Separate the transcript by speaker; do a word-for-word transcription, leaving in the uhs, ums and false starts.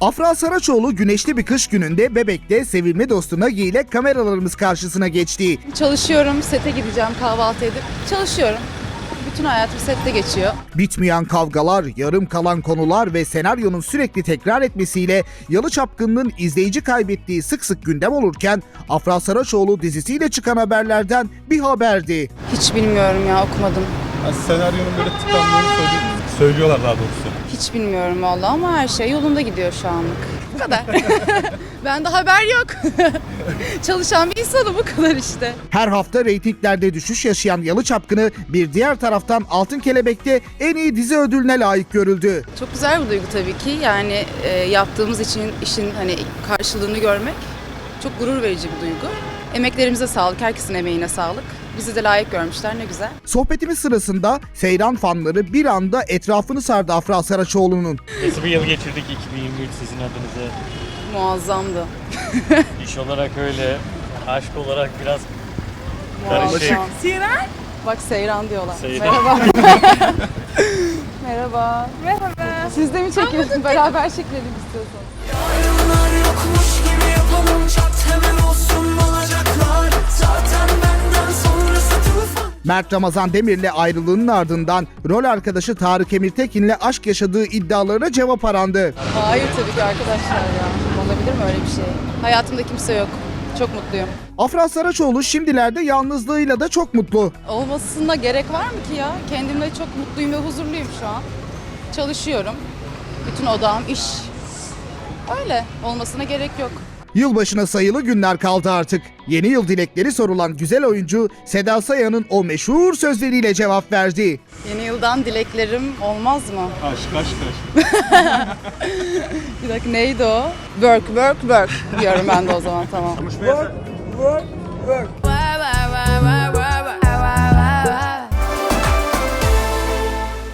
Speaker 1: Afra Saraçoğlu güneşli bir kış gününde Bebek'te sevimli dostu Nagi ile kameralarımız karşısına geçti.
Speaker 2: Çalışıyorum, sete gideceğim kahvaltı edip. Çalışıyorum. Bütün hayatım sette geçiyor.
Speaker 1: Bitmeyen kavgalar, yarım kalan konular ve senaryonun sürekli tekrar etmesiyle Yalı Çapkını'nın izleyici kaybettiği sık sık gündem olurken Afra Saraçoğlu dizisiyle çıkan haberlerden bir haberdi.
Speaker 2: Hiç bilmiyorum ya, okumadım.
Speaker 3: Yani senaryonun böyle tıkandığını söylüyor- söylüyorlar daha doğrusu.
Speaker 2: Hiç bilmiyorum vallahi ama her şey yolunda gidiyor şu anlık. Bu kadar. Bende haber yok. Çalışan bir insanım, bu kadar işte.
Speaker 1: Her hafta reytinglerde düşüş yaşayan Yalı Çapkını bir diğer taraftan Altın Kelebek'te en iyi dizi ödülüne layık görüldü.
Speaker 2: Çok güzel bir duygu tabii ki. Yani e, yaptığımız için işin hani karşılığını görmek çok gurur verici bir duygu. Emeklerimize sağlık, herkesin emeğine sağlık. Bizi de layık görmüşler, ne güzel.
Speaker 1: Sohbetimiz sırasında Seyran fanları bir anda etrafını sardı Afra Saraçoğlu'nun.
Speaker 4: Nasıl bir yıl geçirdik iki bin yirmi üç sizin adınıza?
Speaker 2: Muazzamdı.
Speaker 4: İş olarak öyle, aşk olarak biraz karışık.
Speaker 2: Muazzam. Seyran? Bak Seyran diyorlar.
Speaker 4: Seyran.
Speaker 2: Merhaba. Merhaba. Merhaba. Siz de mi çekiyorsunuz? Beraber çekelim istiyorsanız.
Speaker 5: Yarınlar yokmuş gibi yapalım, çat hemen olsun olacaklar. Zaten benden sonrası tufan.
Speaker 1: Mert Ramazan Demir'le ayrılığının ardından rol arkadaşı Tarık Emirtekin'le aşk yaşadığı iddialarına cevap arandı.
Speaker 2: Hayır tabii ki arkadaşlar ya. Olabilir mi öyle bir şey? Hayatımda kimse yok. Çok mutluyum.
Speaker 1: Afra Saraçoğlu şimdilerde yalnızlığıyla da çok mutlu.
Speaker 2: Olmasına gerek var mı ki ya? Kendimle çok mutluyum ve huzurluyum şu an. Çalışıyorum. Bütün odağım iş. Öyle. Olmasına gerek yok.
Speaker 1: Yılbaşına sayılı günler kaldı artık. Yeni yıl dilekleri sorulan güzel oyuncu Seda Sayan'ın o meşhur sözleriyle cevap verdi.
Speaker 2: Yeni yıldan dileklerim olmaz mı?
Speaker 3: Aşk aşk aşk.
Speaker 2: Bir dakika, neydi o? Work, work, work diyorum ben de o zaman, tamam.
Speaker 5: Work,